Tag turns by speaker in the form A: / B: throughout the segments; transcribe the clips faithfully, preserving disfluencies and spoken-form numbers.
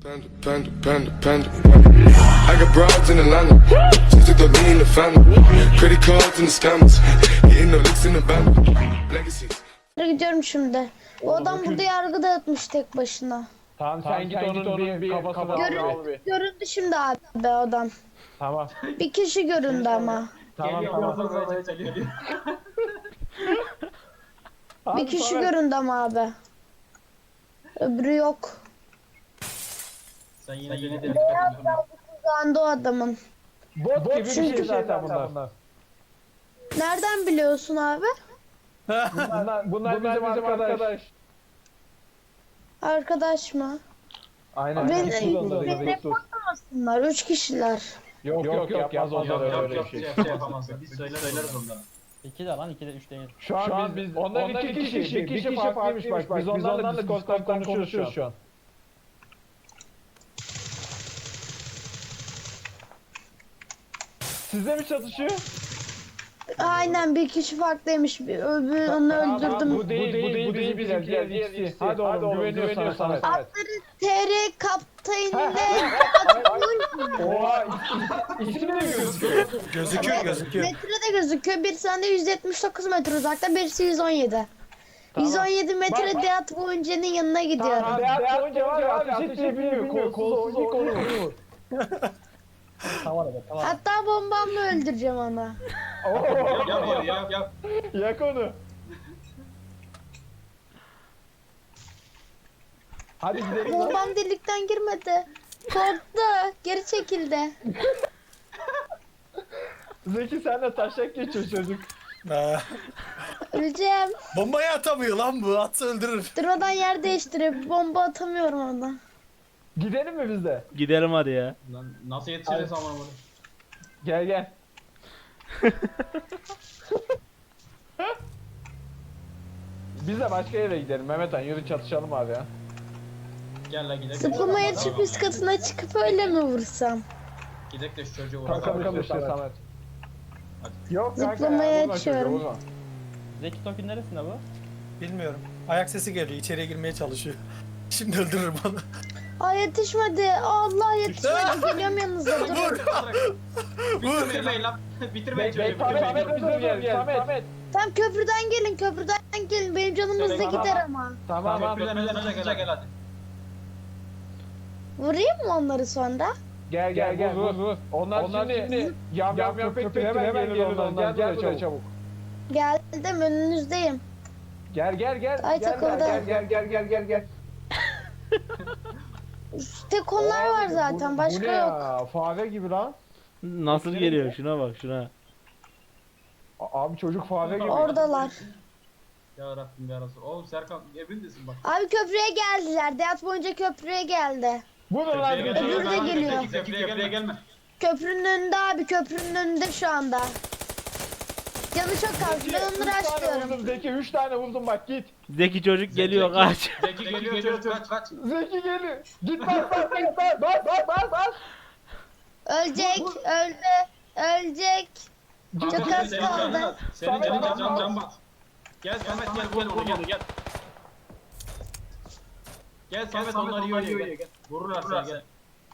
A: Panda, panda, panda, panda, panda. I got broads in Atlanta, just took the lean in the family. Credit cards and the scammers, hitting the licks in the band. Legacies.
B: Gidiyorum şimdi. Bu adam burada yargı dağıtmış tek başına.
C: Tamam sen, sen git onun, onun bir, bir kafasını al,
B: Görün,
C: al bir.
B: göründü şimdi abi be adam.
C: Tamam.
B: Bir kişi göründü ama.
C: Tamam tamam.
B: Bir kişi göründü ama abi. Öbürü yok.
D: Sen yine yine de dikkat et.
B: Uzandı o adamın.
C: Bot, Bot gibi bir
B: çünkü-
C: şey zaten bunlar. Bunlar,
B: Nereden biliyorsun abi?
C: bunlar, bunlar bizim, bizim arkadaş. arkadaş.
B: Arkadaş mı?
C: Aynen.
B: Ben-
C: Sus onları,
B: ben-
C: sus, sus.
B: Bunlar üç kişiler.
C: Yok yok yok yapmaz
D: Yok
C: onlar
D: yok
C: öyle
D: yok
C: bir
D: şey,
C: şey.
D: şey yapamazsın. Biz söyler söyleriz onlara.
E: İki de lan, iki de üç değil.
C: Şu an, Şu an biz, onlar iki kişi, bir kişi farklıymış bak. Biz onlarla Discord'dan konuşuyoruz şu an. Sizde mi çatışıyor?
B: Aynen bir kişi farklıymış. Bir öbürü onu öldürdüm.
C: Bu değil, bu değil, bu değil, bizim diğer ikisi. Hadi oğlum, güveniyorsan sana.
B: Atları T R kaptanıyla
C: Oha, isim de mi gözüküyor?
F: Gözüküyor gözüküyor.
B: metrede gözüküyor. Bir sende yüz yetmiş dokuz metre uzakta, birisi yüz on yedi.
C: Tamam.
B: yüz on yedi metre
C: Bak, bak.
B: Deat Boyunca'nın yanına gidiyorum.
C: Tamam, Deat boyunca var ya, ateş etmeyi bilmiyor. Kolsuz ilk onu vurur.
E: Tamam evet, tamam.
B: Hatta bombamla öldüreceğim onu.
D: Yap yap yap yap.
C: Yak onu. Hadi gidelim.
B: Bombam delikten girmedi. Korktu. Geri çekildi.
C: Zeki sen de taşak geçiyor çocuk.
F: Ha.
B: Öleceğim.
F: Bombayı atamıyor lan bu. Atsa öldürür.
B: Durmadan yer değiştirip bomba atamıyorum ona.
C: Gidelim mi biz de?
G: Gidelim hadi ya.
D: Lan nasıl yetişiriz ama bunu?
C: Gel gel. Biz de başka yere gidelim Mehmet Han, yürü çatışalım abi ya.
D: Gel lan gidelim.
B: Zıplamaya çıkıp üst katına çıkıp öyle mi vursam?
D: Gidelim de şu çocuğu
C: Kankam
D: vuralım.
C: işte Samet. Yok kanka
B: Zıplamaya
C: ya, vurma çocuğu,
B: açıyorum.
C: vurma.
E: Zeki Tokin neresinde bu?
F: Bilmiyorum. Ayak sesi geliyor. İçeriye girmeye çalışıyor. Şimdi öldürür bana.
B: Ay yetişmedi. Allah yetişmedi. Geliyorum yanınıza. Durun.
F: Vur.
D: Bitirmeyin lan. Bitirmeyin
C: Bek, bek,
D: çocuğu.
C: Samet,
D: Bitirmeyin.
C: Samet, bizim yer, Samet. Samet.
B: Tam köprüden gelin. Köprüden gelin. Benim canım hızlı
D: Tamam.
B: gider ama.
C: Tamam abi.
D: Köprüden önce hızlıca gel hadi.
B: Vurayım mı onları sonra?
C: Gel gel gel vur vur. Onlar, Onlar şimdi yam yam yam köpektir, hemen gelir onlar. Gel buraya çabuk.
B: Geldim önünüzdeyim.
C: Gel gel gel.
B: Ay,
C: gel,
B: takıldı.
C: gel gel gel gel gel gel.
B: Tek onlar var
C: Abi,
B: zaten.
C: bu-
B: Başka
C: bu ne
B: yok.
C: ya? Fare gibi lan.
G: Nasıl geliyor şuna bak şuna.
C: A- Abi çocuk fare gibi.
B: Oradalar.
D: Ya Rabbim ya Resul. Oğlum Serkan evindesin bak.
B: Abi köprüye geldiler. Deat boyunca köprüye geldi.
C: Vurun lan.
D: Köprüye
B: Öbürü de
D: gelme.
B: geliyor.
D: Zeki, Köprüye gelme. gelme.
B: Köprünün önünde abi. Köprünün önünde şu anda. Canı çok az. Ben onları
C: Üç tane
B: açlıyorum.
C: vurdum Zeki, üç tane vurdum bak git.
G: Zeki çocuk geliyor
D: Zeki.
G: kaç.
D: Zeki geliyor çocuk kaç kaç.
C: Zeki geliyor. Git bas bas bas bas bas bas bas.
B: Ölecek. Öldü. Ölecek. Çok
D: Kanka,
B: az
D: senin
B: kaldı.
D: canın az. Senin
C: Samet,
D: canın
C: Samet,
D: can can bas. Gel Samet gel gel onu gel gel. Gel Samet onlar iyi oynuyor gel. Vururlar seni gel.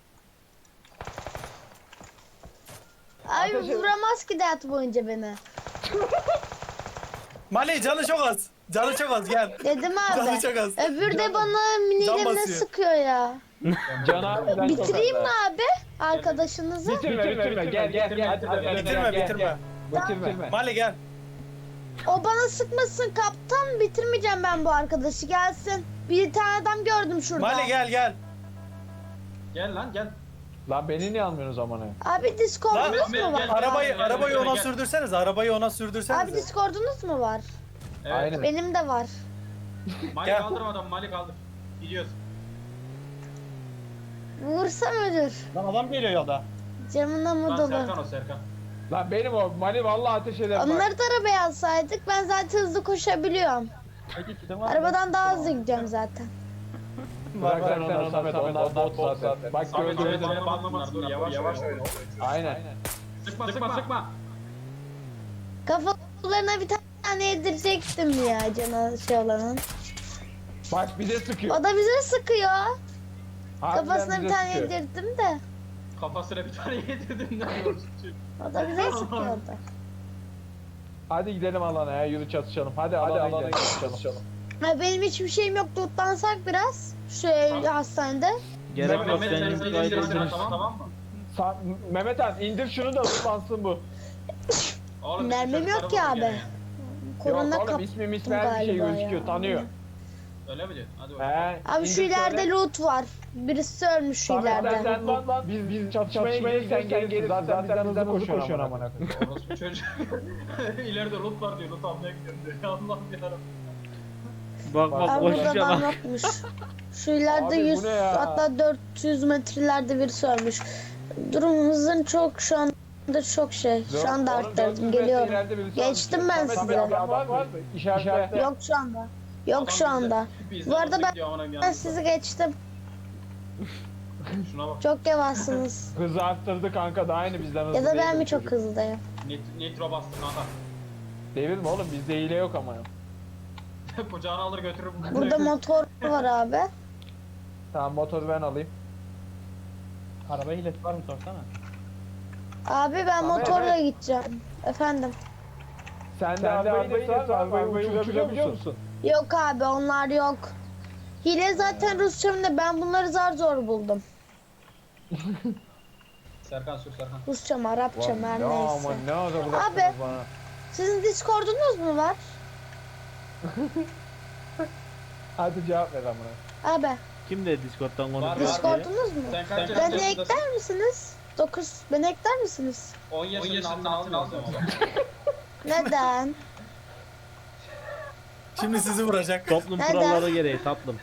B: Abi
C: Ateş et.
B: vuramaz ki Deat boyunca beni.
F: Mali canı çok az. Canı çok az gel.
B: Dedim
F: Canı
B: abi.
F: çok az.
B: Öbür de bana miniyle ne
F: basıyor.
B: sıkıyor ya.
C: Cana
B: Bitireyim mi abi arkadaşınızı?
C: Bitirme bitirme gel gel gel. Hadi, hadi, hadi,
F: Bitirme
C: gel,
F: bitirme.
C: gel. Bitirme.
F: Mali gel.
B: O bana sıkmasın kaptan, bitirmeyeceğim ben bu arkadaşı, gelsin. Bir tane adam gördüm şurada.
F: Mali gel gel.
D: Gel lan gel.
C: Lan beni niye almıyorsunuz amına?
B: Abi
F: Lan
B: Discord'unuz
D: gel,
B: mu var?
D: gel.
F: arabayı
D: gel,
F: arabayı
D: gel,
F: ona
D: gel.
F: sürdürseniz. Arabayı ona
B: Abi
F: sürdürseniz.
B: Discord'unuz mu var?
D: Evet.
C: Aynen.
B: Benim de var.
D: Mali
F: Gel.
D: kaldırmadan Mali kaldır. Gidiyoruz.
B: Vursam ölür.
E: Lan adam geliyor yolda.
B: Camına mı
D: Lan
B: dolu?
D: Serkan o Serkan.
C: Lan benim o Mali vallahi ateş eder bak.
B: Onları da arabaya alsaydık, ben zaten hızlı koşabiliyorum.
E: Peki kitim var mı?
B: Arabadan daha hızlı gidiyorum zaten.
C: Bırak sen onlar Samet onlar bot zaten. Bak
D: Samet
C: gördün.
D: Samet bana anlamasınlar. Dur yavaş yavaş oyna.
C: Aynen.
D: Sıkma sıkma sıkma.
B: Kafalarına bir tane yedirecektim ya cana şey olanın.
C: Bak bize sıkıyor.
B: O da bize sıkıyor.
C: Harbiden
B: Kafasına bir
C: bize
B: tane
C: sıkıyor.
B: yedirdim de.
D: Kafasına bir tane yedirdim ne diyorsun?
B: O da bize sıkıyordu.
C: Hadi gidelim alana ya yürü çatışalım. Hadi, Hadi alana, alana gidelim çatışalım.
B: Ha, benim hiçbir şeyim yok. Tutlansak biraz. Şu hastanede.
G: Gerek yok
D: Mehmet
G: sen
D: sen
G: git
D: seni
G: gayet
D: indirsin,
G: öldürürsün.
D: tamam tamam mı?
C: Sa Mehmet Han indir şunu da tutlansın bu.
D: Oğlum,
B: Mermim
D: bizim
B: yok ki
D: çocuklara
B: abi.
D: bakın
B: Korona
C: Yok oğlum
B: kaptım
C: ismi mismi her bir şey
B: galiba
C: gözüküyor
B: ya.
C: tanıyor.
D: ya. Öyle mi diyorsun? Hadi bakalım.
C: He.
B: Abi şu
C: indir
B: ileride
C: söyle.
B: loot var. Birisi ölmüş şu
C: Samet sen,
B: ileride.
C: sen lan lan biz biz çatışmaya gelirsen gelirsin zaten, zaten bizden hızlı koşuyorsun amına koyayım.
D: Orospu çocuk. İleride loot var diyor. Loot almaya gidiyorum diyor. Ya Allah'ım yarabbim.
G: Bak bak
B: Abi burada
G: koşuşa
B: adam
G: bak.
B: yokmuş. Şu ileride
C: Abi bu
B: yüz
C: ne ya?
B: hatta dört yüz metrelerde birisi ölmüş. Durum hızın çok şu anda çok şey. Şu anda
C: Oğlum, dört yüz
B: arttırdım
C: metre
B: geliyorum.
C: ileride birisi
B: Geçtim
C: almış.
B: ben
C: Samet,
B: size.
C: Samet, adam var mı? İşaretle.
B: Yok şu anda. Yok
D: Adam
B: şu
D: bizden-
B: anda.
D: bizden
B: Bu arada
D: hızlı
B: ben-
D: gidiyor amına
B: Ben
D: koyayım.
B: sizi geçtim.
D: Şuna bak.
B: Çok yavaşsınız.
C: Hızı arttırdı kanka da aynı bizden hızlı
B: Ya da ben
C: değil
B: mi
C: bu
B: çok
C: çocuk.
B: hızlıyım?
D: Nit nitro bastı kanka.
C: Devir mi oğlum bizde hile yok ama.
D: Kucağına alır götürür.
B: Burada motor var abi.
C: Tamam motoru ben alayım.
E: Araba hilesi var mı sorsana.
B: Abi ben
C: Tamam,
B: motorla
C: evet.
B: gideceğim. Efendim.
C: Sen de arabayı var, arabayı uçurabiliyor musun?
B: Yok abi onlar yok. Hile zaten Rusçamda ben bunları zar zor buldum.
D: Serkan sür Serkan.
B: Rusça mı Arapça mı her
C: Ya
B: neyse.
C: aman ne kadar
B: Abi.
C: uzaksınız bana.
B: Sizin Discord'unuz mu var?
C: Hadi cevap ver amına.
B: Abi
G: Kim de Discord'dan
D: Var,
G: konuşuyor?
D: var.
B: Discord'unuz mu?
D: Sen kaç
B: Beni
D: yaşındasın?
B: ekler misiniz? dokuz. Beni ekler misiniz?
D: on yaşının altına almıyorsun ama.
B: Neden?
F: Şimdi sizi vuracak.
G: Toplum
B: Neden?
G: kuralları gereği tatlım.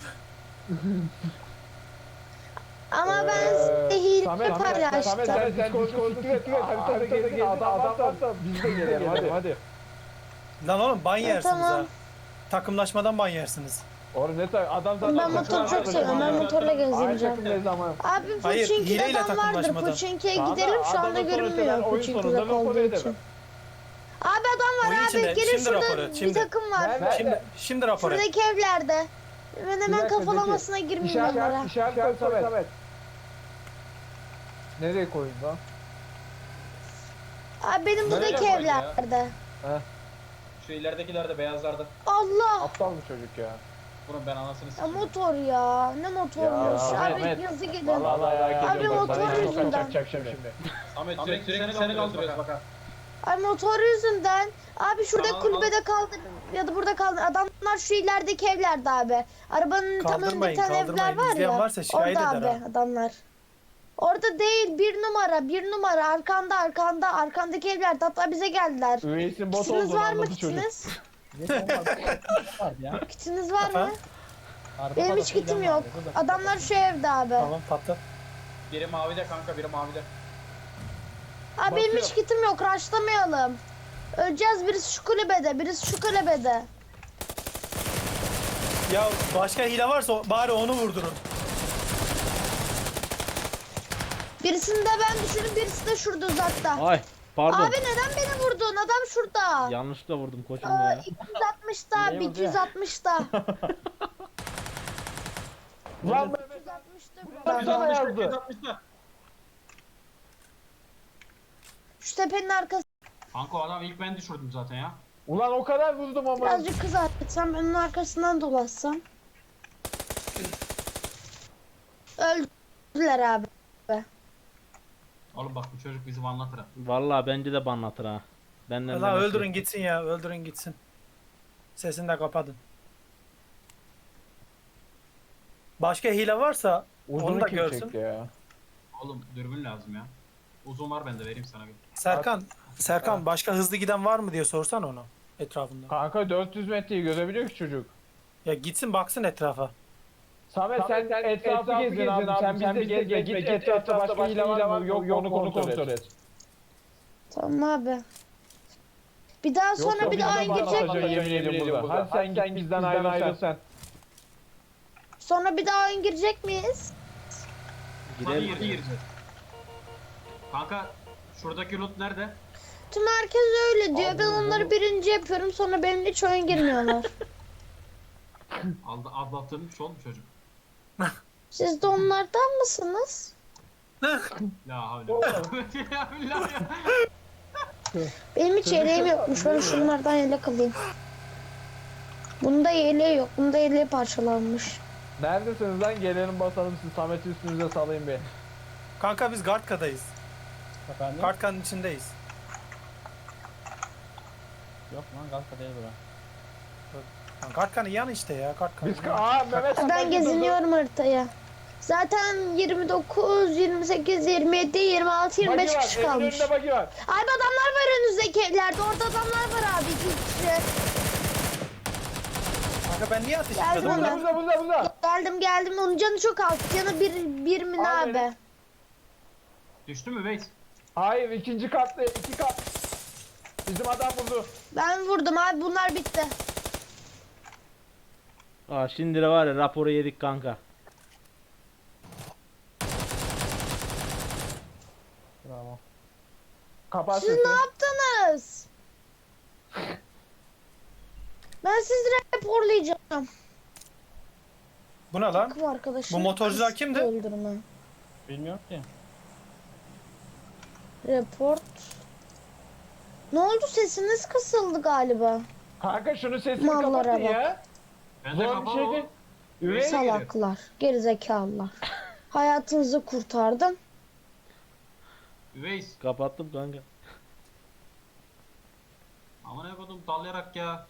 B: Ama ben size hile
C: Samet, Samet,
B: paylaştım.
C: Samet sen Discord'u tıkla tıkla haritada gezin adam varsa biz de gelelim hadi hadi.
F: Lan oğlum ban yersiniz
B: tamam.
F: ha. Takımlaşmadan ban yersiniz.
C: Oğlum ne tay adam zaten
B: Ben motoru çok seviyorum. Ben motorla
C: Aynı
B: gezeceğim.
C: takımdayız ama.
B: Abi
F: Hayır,
B: Puçinki'de
F: hileyle
B: adam vardır.
F: takımlaşmadan.
B: Puçinki'ye
C: Tamam da
B: gidelim şu anda
C: adamın sonuçta ben
B: görünmüyor.
C: oyun
B: Puçinki
C: sonunda
B: uzak olduğu
C: rapor
B: için.
C: ederim.
B: Abi adam var
F: Oyun
B: abi.
F: içinde,
B: Gelin
F: şimdi
B: şurada
F: rapor et,
B: bir
F: şimdi.
B: takım var.
C: Nerede?
F: Şimdi şimdi rapor et.
B: Şuradaki evlerde. Ben
C: Bir
B: hemen
C: dakika,
B: kafalamasına
C: Zeki.
B: girmeyeyim
C: İşaret,
B: onlara.
C: işaret, işaret koy Samet. Nereye koyayım lan?
B: Abi benim
D: Nereye
B: buradaki
D: koydu ya?
B: evlerde.
D: Şu ileridekilerde beyazlarda.
B: Allah!
C: Aptal mı çocuk ya?
D: Bunun ben anasını
B: Ya
D: sikeyim.
B: motor ya. Ne motormuş.
C: Ya,
B: Abi
C: Mehmet.
B: yazı gidin.
C: Vallahi merak
B: Abi
C: ediyorum. bak,
B: motor
C: sana
B: yüzünden.
C: çakacak şimdi.
D: Ahmet sürekli, sürekli seni kaldırıyoruz bak ha.
B: Ay motor yüzünden. Abi şurada
D: Tamam,
B: kulübede kaldı ya da burada kaldı. Adamlar şu ilerideki evlerde abi. Arabanın tam önünde
F: Kaldırmayın,
B: bir tane evler
F: kaldırmayın.
B: var
F: İzleyen
B: ya.
F: varsa şikayet
B: Orada
F: eder
B: abi
F: ha.
B: adamlar. Orada değil bir numara bir numara arkanda arkanda arkandaki evlerde hatta bize geldiler.
C: Üveysin bot
B: Kitiniz
C: olduğunu
B: var mı
C: anladı çocuk.
B: kitiniz?
E: Var ya.
B: Kitiniz var mı?
F: Efendim?
E: Araba
B: Benim hiç
E: parası
B: kitim
E: giden var
B: yok.
E: ya, burada.
B: Adamlar şu evde abi.
F: Tamam patlat.
D: Biri mavide kanka biri mavide.
B: Abi benim hiç
C: Basıyor.
B: kitim yok. Raşlamayalım. Öleceğiz birisi şu kulübede birisi şu kulübede.
F: Ya başka hile varsa o- bari onu vurdurun.
G: Birisini
B: Birisini de ben düşürdüm birisi de şurada uzakta.
G: Ay pardon.
B: Abi neden beni vurdun? Adam şurada.
G: Yanlışlıkla vurdum koçum
B: Aa,
G: ya.
B: iki yüz altmışta abi
E: Niye vurdu
B: iki yüz altmışta.
C: Lan
B: iki yüz altmışta
C: Lan
B: burada.
C: sana yazdı.
D: yüz altmışta.
B: Şu tepenin arkası.
D: Kanka o adam ilk ben düşürdüm zaten ya.
C: Ulan o kadar vurdum ama.
B: Birazcık kızartsam ben onun arkasından dolaşsam. Öldüler abi.
D: Oğlum bak bu çocuk bizi anlatır ha.
G: Vallahi bence de banlatır ha. Benden
F: Lan
G: demesi.
F: öldürün gitsin ya, öldürün gitsin. Sesini de kapatın. Başka hile varsa onu
C: Uzunu
F: da
C: kim
F: görsün.
C: çekti ya?
D: Oğlum dürbün lazım ya. Uzun var bende vereyim sana bir.
F: Serkan, Serkan başka hızlı giden var mı diye sorsan onu etrafında.
C: Kanka dört yüz metreyi görebiliyor ki çocuk.
F: Ya gitsin baksın etrafa.
C: Samet sen, sen etrafı gezin abi. Sen bizde gezme. Git etrafta başka hile var mı? Yok onu kontrol et.
B: Tamam abi. Bir daha sonra
C: Yok,
B: bir
C: yok,
B: daha
C: bizden
B: girecek.
C: anlatacak, yemin ediyorum burada. Hadi sen git bizden ayrıl sen.
B: Sonra bir daha oyun girecek miyiz?
D: Hadi
G: Girelim.
D: girdi gireceğiz. Kanka şuradaki loot nerede?
B: Tüm herkes öyle diyor. Ben onları birinci yapıyorum sonra benimle hiç oyun girmiyorlar.
D: Aldı, atlattırmış oğlum çocuk.
B: Siz de onlardan mısınız?
D: La havle. Ya billah ya.
B: Benim hiç yeleğim yokmuş. Ben şunlardan yelek alayım. Bunda yeleği yok. Bunda yeleği parçalanmış.
C: Neredesiniz lan? Gelelim basalım siz Samet'i üstünüze salayım bir.
F: Kanka biz Gartka'dayız.
E: Efendim?
F: Gartka'nın içindeyiz.
E: Yok lan Galata değil bura.
F: Lan Gartka'nın yanı işte ya. Gartka'nın.
C: Biz aa Mehmet
B: Ben
C: Hakan
B: geziniyorum haritaya. Zaten yirmi dokuz, yirmi sekiz, yirmi yedi, yirmi altı, yirmi beş kişi kalmış.
C: Önünde bagi var.
B: Abi adamlar var önünüzdeki evlerde. Orada adamlar var abi. İki kişi.
F: Kanka ben niye ateş
B: Geldim
F: etmedim?
B: ona.
C: Buzda buzda buzda.
B: Geldim geldim. Onun canı çok az. Canı bir, bir mi ne
C: Al
B: abi?
C: beni.
D: Düştü mü Veys?
C: Hayır ikinci katlı iki kat. Bizim adam vurdu.
B: Ben vurdum abi. Bunlar bitti.
G: Aa şimdi de var ya raporu yedik kanka.
E: Bravo.
C: Kapat
B: Siz
C: sesi.
B: ne yaptınız? Ben sizi raporlayacağım.
F: Bu ne lan?
B: Takım arkadaşım.
F: Bu motorcular kimdi?
B: Öldürme.
E: Bilmiyorum ki.
B: Report. Ne oldu, sesiniz kısıldı galiba.
C: Kanka şunu sesini
B: Mallara
C: kapatın
B: bak.
C: ya.
D: Ben de
C: Zor bir
D: kapalı
C: şey
D: oğlum.
C: değil. Üvey
D: Salak.
B: Salaklar, gerizekalılar. Hayatınızı kurtardım.
D: Veys.
G: Kapattım kanka.
D: Aman ne kodum dallayarak ya.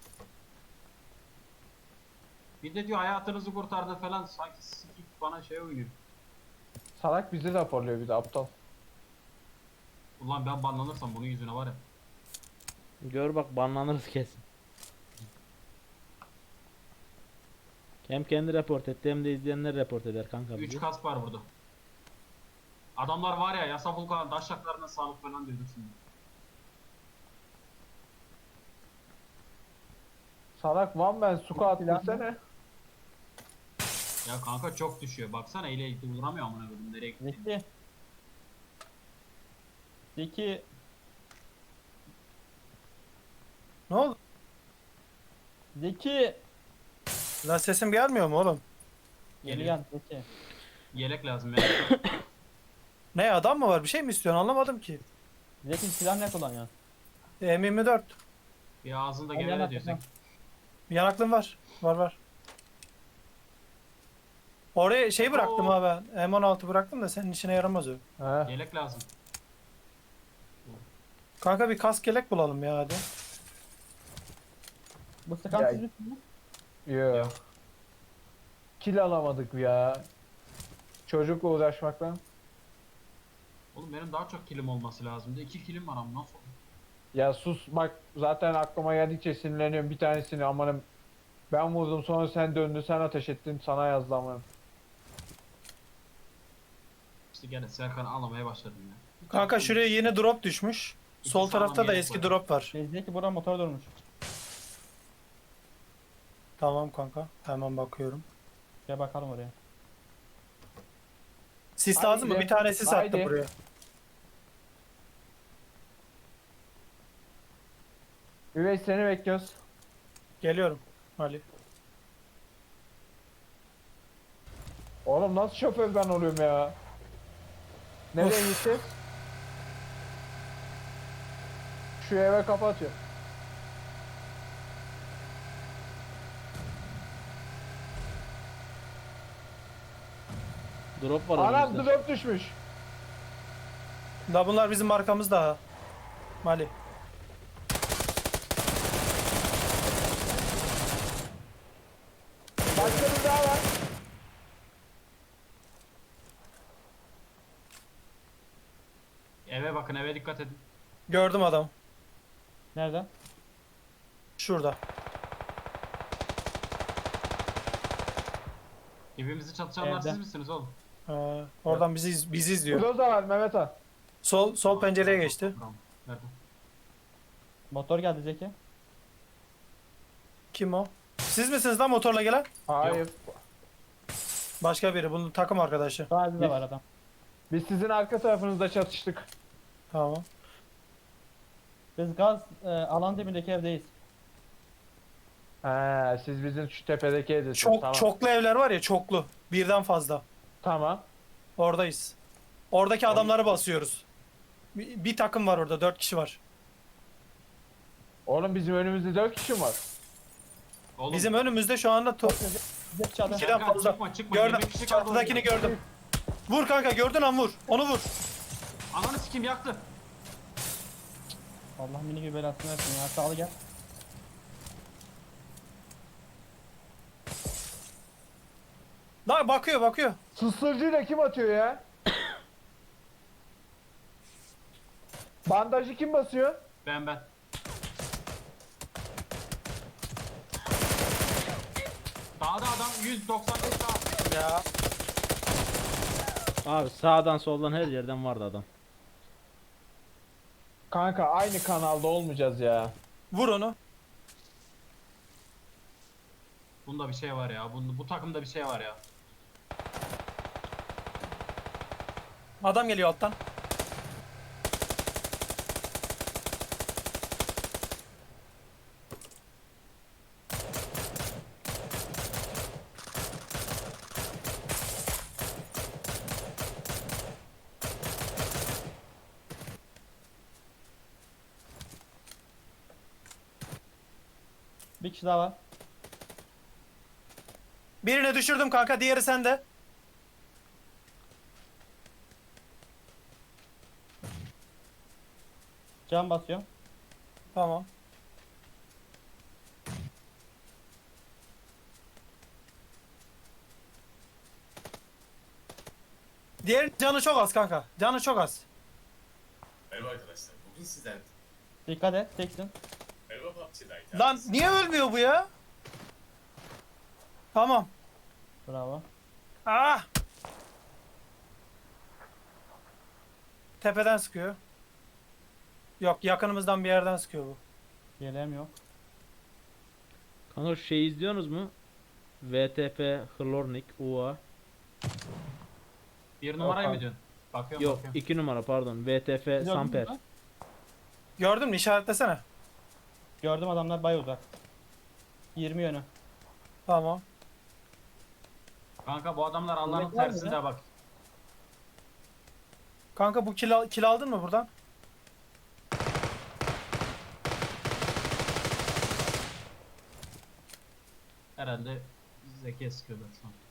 D: Bir de diyor hayatınızı kurtardı falan sanki sikik bana şey oynuyor.
C: Salak bizi raporluyor bir de aptal.
D: Ulan ben banlanırsam bunun yüzüne var ya.
G: Gör bak banlanırız kesin. Hem kendi report etti hem de izleyenler report eder kanka
D: üç
G: bizi.
D: kas var burada. Adamlar var ya yasa vulkan taşaklarına sağlık falan diyordur şimdi.
C: Salak one man squat desene.
D: Ya kanka çok düşüyor. Baksana ile vuramıyor amına koydum nereye gitti.
E: Zeki. Zeki.
F: Ne oldu?
E: Zeki.
F: Lan sesim gelmiyor mu oğlum?
E: Geri
D: Geliyor.
E: gel Zeki.
D: Yelek lazım ya.
F: Ne adam mı var? Bir şey mi istiyorsun? Anlamadım ki.
E: Zeki silah ne kullanıyorsun?
F: M yirmi dört.
D: Bir ağzında
E: Al
D: gevele
E: yanak,
D: diyorsun.
E: yanak.
F: Yanaklığım var. Var var. Oraya şey bıraktım
D: Oo.
F: ha ben. M on altı bıraktım da senin işine yaramaz o.
C: He.
D: Yelek lazım.
F: Kanka bir kask yelek bulalım ya hadi.
E: Bu sıkan
C: Ya-
E: siz misiniz?
C: Yo. Kill alamadık ya. Çocukla uğraşmaktan.
D: Oğlum benim daha çok kilim olması lazımdı. İki kilim var ama nasıl olur?
C: Ya sus bak zaten aklıma geldikçe sinirleniyorum bir tanesini amanım. Ben vurdum sonra sen döndün sen ateş ettin sana yazdı amanım.
D: İşte gene Serkan'ı anlamaya başladım ya.
F: Kanka şuraya yeni drop düşmüş.
D: İki
F: Sol
D: sağlam
F: tarafta da
D: yelek
F: eski
D: var.
F: drop var.
E: Şey, Zeki burada motor durmuş.
F: Tamam kanka. Hemen bakıyorum.
E: Gel bakalım oraya.
F: Sis
C: Haydi.
F: lazım mı? Bir tane sis attım
C: Haydi.
F: buraya.
C: Üvey seni bekliyoruz.
F: Geliyorum Ali.
C: Oğlum nasıl şoför ben oluyorum ya? Nereye
F: Of.
C: gitti? Şu eve kapatıyor.
G: Drop var
C: Anam
G: önümüzde.
C: drop düşmüş.
F: La bunlar bizim markamızda ha. Mali.
C: Başka bir daha var.
D: Eve bakın eve dikkat edin.
F: Gördüm adam.
E: Nerede?
F: Şurada.
D: Evimizi çatışanlar
E: Evde.
D: siz misiniz oğlum?
F: Ee, oradan bizi iz- bizi izliyor.
C: Burada da var Mehmet Han.
F: Sol sol pencereye geçti.
D: Tamam. Nerede?
E: Motor geldi Zeki.
F: Kim o? Siz misiniz lan motorla gelen?
C: Hayır.
F: Başka biri. Bunun takım arkadaşı.
E: Sadece de
C: Yes.
E: var adam.
C: Biz sizin arka tarafınızda çatıştık.
F: Tamam.
E: Biz gaz e, alan dibindeki evdeyiz.
C: He, siz bizim şu tepedeki evdesiniz.
F: Çok
C: tamam.
F: çoklu evler var ya, çoklu. Birden fazla.
C: Tamam.
F: Oradayız. Oradaki adamları basıyoruz. Bir, bir takım var orada, dört kişi var.
C: Oğlum bizim önümüzde dört kişi mi var?
D: Oğlum,
F: Bizim önümüzde şu anda to-
E: Bize çadır.
F: ikiden
D: Serkan,
F: fazla.
D: çıkma, çıkma.
F: Gördüm.
D: yirmi kişi kaldı
F: Çatıdakini
D: orada.
F: gördüm. Vur kanka, gördün an vur. Onu vur.
D: Ananı sikim yaktı.
E: Allah mini gibi belasını versin ya. Sağlı gel.
F: Lan bakıyor bakıyor.
C: Sısırcıyla kim atıyor ya? Bandajı kim basıyor?
D: Ben ben. Dağda adam yüz doksan beş daha.
F: Ya.
G: Abi sağdan soldan her yerden vardı adam.
C: Kanka aynı kanalda olmayacağız ya.
F: Vur onu.
D: Bunda bir şey var ya. Bunda, bu takımda bir şey var ya.
F: Adam geliyor alttan.
E: Bir kişi daha var.
F: Birini düşürdüm kanka, diğeri sende.
E: Can basıyorum.
F: Tamam. Diğer canı çok az kanka. Canı çok az.
H: Merhaba arkadaşlar. Bugün sizden
E: Dikkat et. Teksin.
H: merhaba P U B G'dayken
F: Lan niye ölmüyor bu ya? Tamam.
E: Bravo.
F: Ah! Tepeden sıkıyor. Yok, yakınımızdan bir yerden sıkıyor bu.
E: Yeleğim yok.
G: Kanka şu şey izliyorsunuz mu? V T P Hlornik U A.
D: Bir numarayı
C: Yok
D: mı diyorsun? Bakıyorum
G: Yok
D: bakıyorum.
G: iki numara pardon. V T P
E: Gördün mü
G: Samper.
E: lan?
F: Gördün mü? İşaretlesene.
E: Gördüm, adamlar bay uzak. yirmi yönü.
F: Tamam.
D: Kanka bu adamlar Allah'ın
E: Yemek var mı
D: tersinde
E: ya?
D: bak.
F: Kanka bu kill, al- kill aldın mı buradan?
D: Herhalde Zeki sıkıyorlar şu an.